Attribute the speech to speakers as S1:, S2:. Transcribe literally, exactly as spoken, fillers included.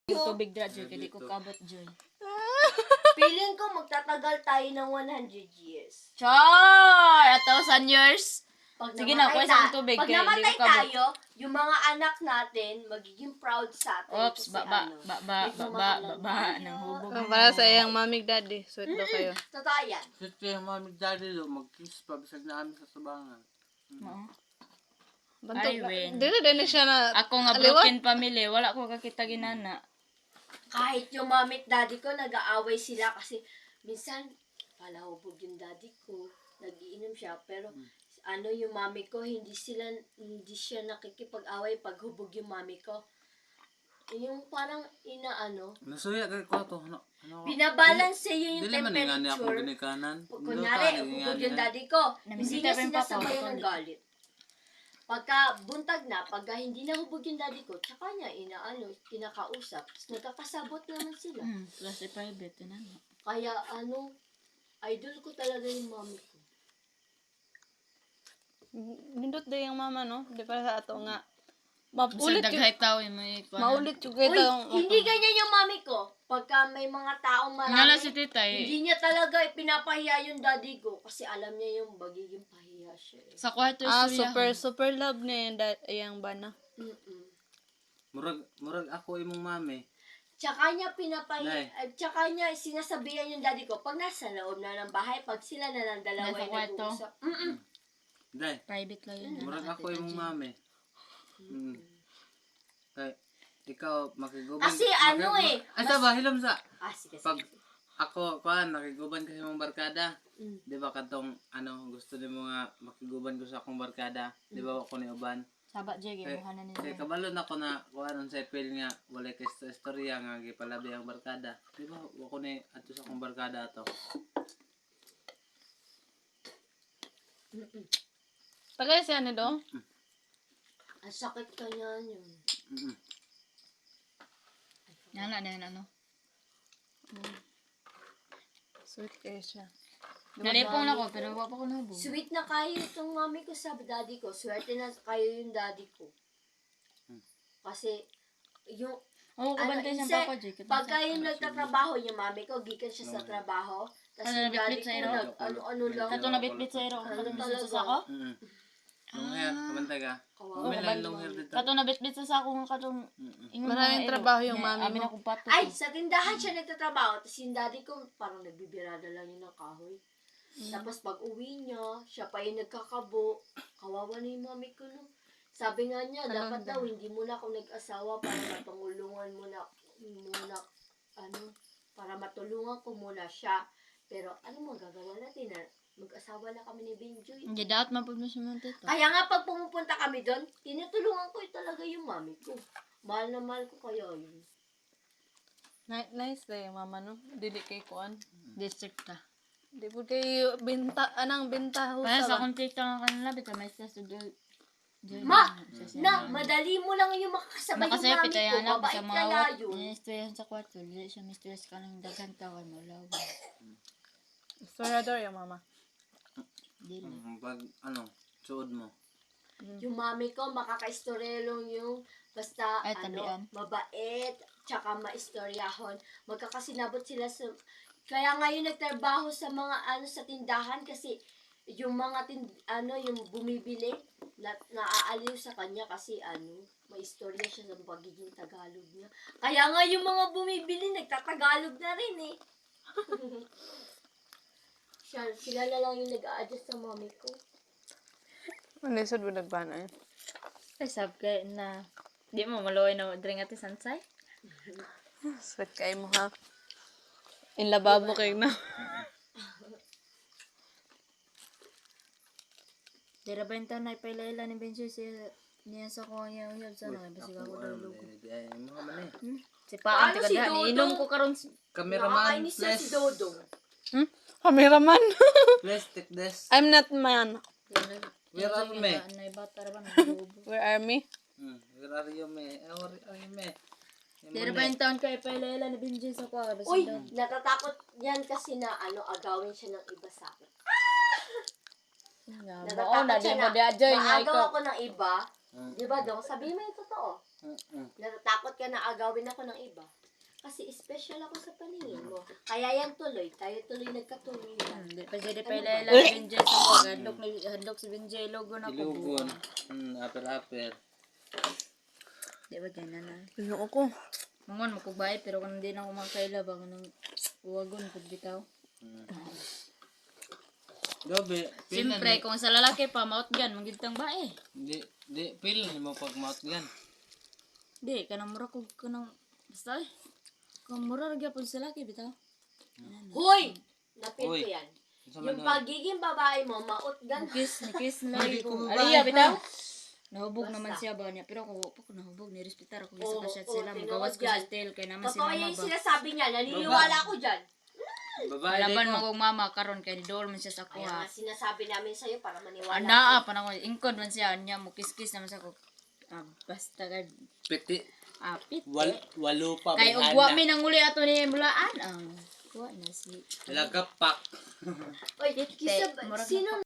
S1: Tubig dra, Joy. Kaya di ko kabot, Joy.
S2: Feeling ko magtatagal tayo ng one hundred years.
S1: Char! A thousand years?
S2: Pag
S1: Sige na,
S2: namatay
S1: kuha sa
S2: ta-
S1: tubig,
S2: Pag
S1: kaya hindi
S2: namatay
S1: ko kabot.
S2: tayo, yung mga anak natin magiging proud sa atin.
S1: Oops,
S2: kasi
S1: ba, ba,
S2: ano,
S1: ba, ba, ba, ba, ba, ba, nang hubog
S3: Oh,
S1: mo.
S3: para sa iyang mamig daddy. Sweet daw kayo.
S2: Totoo yan.
S4: Kasi yung mami daddy do, mag-kiss pa bisag na kami sa subangan.
S1: Oo.
S3: Bantok
S1: Ay,
S3: na.
S1: win.
S3: Dili din siya na.
S1: Ako nga
S3: aliwat.
S1: broken family, wala ko kakita ginana.
S2: Kahit yung mami at daddy ko, nag-aaway sila kasi minsan, palahubog yung daddy ko, nagiinom siya, pero ano yung mami ko, hindi sila, hindi siya nakikipag-away pag hubog yung mami ko. Yung parang inaano,
S4: Nasuya kay ko to. Ano? Ano?
S2: binabalance yun yung
S4: Dili man nga niya akong
S2: temperature.
S4: ginikanan.
S2: Pag kunyari, hubog yung daddy ko, hindi
S1: Namisita
S2: niya
S1: pa yung papa,
S2: sinasabayan ng
S1: papa.
S2: galit. Pagka buntag na, pagka hindi na hubog yung daddy ko, tsaka niya inaano, kinakausap. Tapos nagkakasabot naman sila.
S1: Hmm, plus private, yun ano.
S2: Kaya ano, idol ko talaga yung mami ko.
S3: Nindot din yung mama, no? Di para sa ato nga.
S1: Ulit
S3: Maulit yung,
S1: daghay tao yung may kuha.
S3: maulit yung
S2: Uy,
S3: kita.
S2: hindi ganyan yung mami ko. Pagka may mga taong
S1: Ngala
S2: marami,
S1: si titay,
S2: hindi niya talaga ipinapahiya yung daddy ko. Kasi alam niya yung magiging pahiya siya eh.
S1: sa kwarto
S3: Ah,
S1: istorya.
S3: super, super love niya yung, da- yung bana.
S2: Mm-mm.
S4: Murag murag ako imong mami.
S2: Tsaka niya pinapahiya,
S4: Nay.
S2: at tsaka niya sinasabihan yung daddy ko, pag nasa loob na ng bahay, pag sila na lang dalawa
S1: Nasa
S2: yung
S1: kwarto?
S2: nag-uusap. Mm-mm.
S4: Dai,
S1: Private lang yun.
S4: murag
S1: ano,
S4: ako
S1: Tita
S4: imong
S1: Jean.
S4: mami. Mm. Kay ikaw makiguban.
S2: Kasi ano eh,
S4: Ay sa ba hilom sa.
S2: Ah, sige,
S4: Pag
S2: sige.
S4: ako kuan nakiguban kasi imong barkada.
S2: Mm.
S4: Di ba katong ano gusto nimo nga makiguban ko sa akong barkada. Di ba ako ni uban.
S1: Saba, Joy,
S4: Kay,
S1: gimuha na
S4: kay
S1: nila.
S4: kabalon ako na kuan sa epil nga walay kay sto- istorya nga gipalabi ang barkada. Di ba ako ni ato sa akong barkada ato.
S2: Mm-mm.
S3: Tagay siya ni do?
S2: Ang sakit ka niyan yun.
S4: Mm.
S1: Nana na yun, ano.
S3: Sweet kayo siya.
S1: Nalipong na ko, pero wala pa ko nahubog.
S2: Sweet na kayo itong mami ko sa daddy ko. Swerte na kayo yung daddy ko. Kasi, yung,
S1: Oo, kabantay
S2: ano,
S1: siyang
S2: inse,
S1: papa, Joy.
S2: pag kayo nagtatrabaho, yung mami ko, gikan siya sa trabaho. Tapos
S1: Ano,
S2: yung daddy
S1: nabitbit
S2: ko,
S1: sa iro?
S2: nag, ano-ano lang.
S1: Kato nabitbit sa iro.
S2: Ano
S1: Kato nabitbit
S2: talaga?
S1: sa sako?
S4: Mm. Long hair, kabantay ka.
S2: Kawawa
S4: May
S2: yung
S4: lang long hair
S2: mami.
S4: dito.
S1: Kato nabitbit sa sako nga katong...
S4: Mm.
S1: ingon
S3: Maraming
S1: mga iro.
S3: trabaho yung
S1: Nga,
S3: mami
S1: Amin
S3: mo.
S1: akong pato.
S2: Ay, sa tindahan siya nagtatrabaho. Tapos yung daddy ko, parang nagbibirada lang yun ng kahoy. Tapos pag uwi niya, siya pa yung nagkakabo. Kawawa na yung mami ko, no? Sabi nga niya, dapat
S3: Kalanda.
S2: daw, hindi mo na ako nag-asawa para matulungan mo na, muna, ano, para matulungan ko muna siya. Pero ano mo gagawa natin na mag-asawa na kami ni Benjoy.
S1: Hindi dapat mapag mo siya mga tito.
S2: Kaya nga pag pumupunta kami doon, tinutulungan ko yung talaga yung mami ko. Mahal na mahal ko kaya yun.
S3: Ni- Nice day yung mama, no? Dili kay kuan.
S1: District ta.
S3: Di po kayo binta, anang binta
S1: Kaya
S3: husa
S1: sa
S3: ba?
S1: kong tita nga kanila, bita may stress to do.
S2: Ma! Na, madali mo lang yung makakasabay yung
S1: Nakasaya
S2: mami
S1: pita
S2: ko.
S1: yan ako
S2: Babait
S1: sa mga
S2: kaya
S1: wat.
S2: yun.
S1: Ini-stress sa kwarto. Dili siya mistress ka ng daghang tawan mo lawa.
S3: Storador yung mama.
S1: Dili.
S4: Mm, pag ano, suod mo.
S2: Yung mami ko, makaka-istoryelong yung basta,
S1: Ay,
S2: ano,
S1: tabian.
S2: mabait, tsaka maistoryahon. Magkakasinabot sila sa... Kaya ngayon nagtrabaho sa mga ano sa tindahan kasi yung mga tin, ano yung bumibili na, naaaliw sa kanya kasi ano may istorya siya sa pagiging Tagalog niya. Kaya nga yung mga bumibili nagtatagalog na rin eh. siya, sila na lang yung nag-a-adjust sa mami ko.
S3: Ano yung sud mo nagbana eh?
S1: Ay, sab kay na. Di mo maluoy na drink ati sansay?
S3: Sweet kayo mo ha. In lababo kayo na.
S1: Dira ba yung tanay pa ilayla ni Benji siya niya sa ko niya uyab sa nang bisig ako daw lugo.
S4: Ay, mga man eh.
S1: Si Paan
S2: Paano
S1: tika
S2: si
S1: diha
S2: Dodong?
S1: inom ko karon.
S4: Cameraman,
S2: Nakakainis yan si
S4: please.
S2: Dodong.
S3: Hmm? Cameraman.
S4: Please take this.
S3: I'm not man.
S4: Where are you, me?
S1: Nay bata ra ba naglugo.
S3: Where are me?
S4: Hmm, where are you, me? Eh, Where are you, me?
S1: Dira ba yung taon kay pa ilayla ni Benji sa ko bisig
S2: Uy,
S1: daw.
S2: natatakot yan kasi na ano agawin siya ng iba sa akin.
S1: Nga,
S2: Natatakot
S1: mao na di
S2: siya
S1: mo
S2: na
S1: di adjoy nga
S2: maagaw
S1: ikaw.
S2: ako ng iba.
S4: Hmm.
S2: Di ba, Dong? Sabihin mo yung totoo.
S4: Mm-mm.
S2: Natatakot ka na agawin ako ng iba. Kasi special ako sa paningin mo. Kaya yan tuloy. Tayo tuloy nagkatuloy.
S1: Hmm, di pa siya di pa ilayla ni Benjay sa ko. Hadlok, ni, hadlok si Benjay, logo na ko.
S4: Ilugon. Hmm, aper-aper.
S1: Di ba ganyan na?
S3: Ayoko ko.
S1: Mangon, makubay, pero kung hindi na ako makaila, baka nang uwagon, pagbitaw.
S4: Hmm. Gabi, pil na
S1: Siyempre, kung sa lalaki pa, maot gan, magintang ba eh.
S4: Di, di, pil na mo pag mouth yan.
S1: Di, kanang mura ko, kanang, basta eh. Kung mura rin po sa lalaki, bitaw.
S2: Hoy! Napil ko
S4: Hoy.
S2: yan.
S4: Sa
S2: Yung
S4: man
S2: pagiging babae mo, mautgan.
S1: Nikis, nikis na
S4: Hindi
S1: lagi
S4: ko
S1: ko.
S4: babae
S1: Aliya,
S4: pa.
S1: bitaw. Nahubog
S2: Basta.
S1: naman siya ba niya. Pero ako, ako nahubog, nirespetar ako. Isa
S2: Oo,
S1: pa shot
S2: oo,
S1: sila.
S2: tinuod
S1: Magawas ko
S2: yan.
S1: sa tail. Kaya naman si
S2: Totoo
S1: mama
S2: yan yung
S1: ba.
S2: sinasabi niya. Naniniwala ako dyan.
S4: babae di
S1: Laban
S4: ko.
S1: mo kong mama karon kay ni Dol man siya sa
S2: Kaya
S1: kuha.
S2: nga sinasabi namin sa'yo para maniwala.
S1: Ana pa nang ingkod man siya nya mo kiss-kiss naman sa ko. Ah, basta ka
S4: Piti.
S1: apit.
S4: Wal, walo pa.
S1: Kay
S4: may
S1: ugwa
S4: handa.
S1: mi nang uli ato ni Mulaan. Ah, kuha na si.
S4: Lagapak.
S2: Oy,
S1: Tite,
S2: kisa,
S1: murag
S2: sino